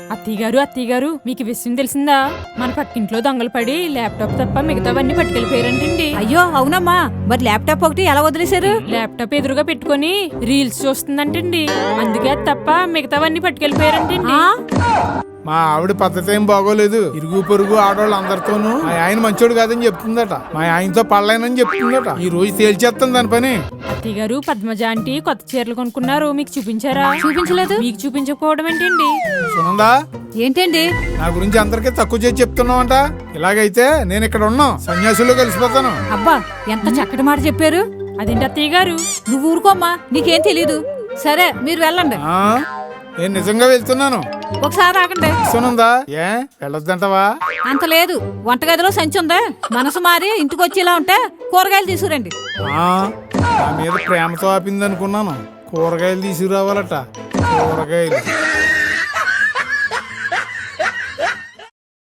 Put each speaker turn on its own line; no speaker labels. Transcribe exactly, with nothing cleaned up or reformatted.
అత్తయ్య గారు అత్తయ్య గారు మీకు విషయం తెలిసిందా? మన పక్కింట్లో దొంగలు పడి ల్యాప్టాప్ తప్ప మిగతావన్నీ పట్టుకెళ్ళిపోయారంటండి.
అయ్యో అవునమ్మా, మరి ల్యాప్టాప్ ఒకటి ఎలా వదిలేశారు?
ల్యాప్టాప్ ఎదురుగా పెట్టుకుని రీల్స్ చూస్తుందంటండి. అందుకే అది తప్ప మిగతావన్నీ పట్టుకెళ్ళిపోయారంటండి.
మా ఆవిడ పద్ధతి ఏం బాగోలేదు. ఇరుగు పొరుగు ఆడవాళ్ళు అందరితోనూ మా ఆయన మంచోడు కాదని చెప్తుందట. మా ఆయనతో పడలేనని చెప్తుందట. ఈ రోజు తేల్చేస్తాను దాని పని.
అత్తయ్య గారు పద్మజ ఆంటీ కొత్త చీరలు కొనుక్కున్నారు, మీకు చూపించారా?
చూపించలేదు.
మీకు చూపించకపోవడం ఏంటండి?
సునందా,
ఏంటండి
నా గురించి అందరికీ తక్కువ చేసి చెప్తున్నావంట. ఇలాగైతే నేను ఇక్కడ ఉన్నాం సన్యాసుల్లో కలిసిపోతాను.
అబ్బా ఎంత చక్కటి మాట చెప్పారు.
అదేంటి అత్తయ్య గారు?
నువ్వు ఊరుకోమ్మా, నీకేం తెలీదు. సరే మీరు వెళ్ళండి.
ఆ నేను నిజంగా వెళ్తున్నాను.
ఒకసారి ఆగండి.
సునందా, ఏ వెళ్ళొద్దంటవా?
అంత లేదు, వంటగదిలో సంచి ఉందా? మనసు మారి ఇంటికి వచ్చేలా ఉంటే కూరగాయలు తీసుకురండి.
ఆ నా మీద ప్రేమతో ఆపింది అనుకున్నాను. కూరగాయలు తీసుకురావాలట. కూరగాయలు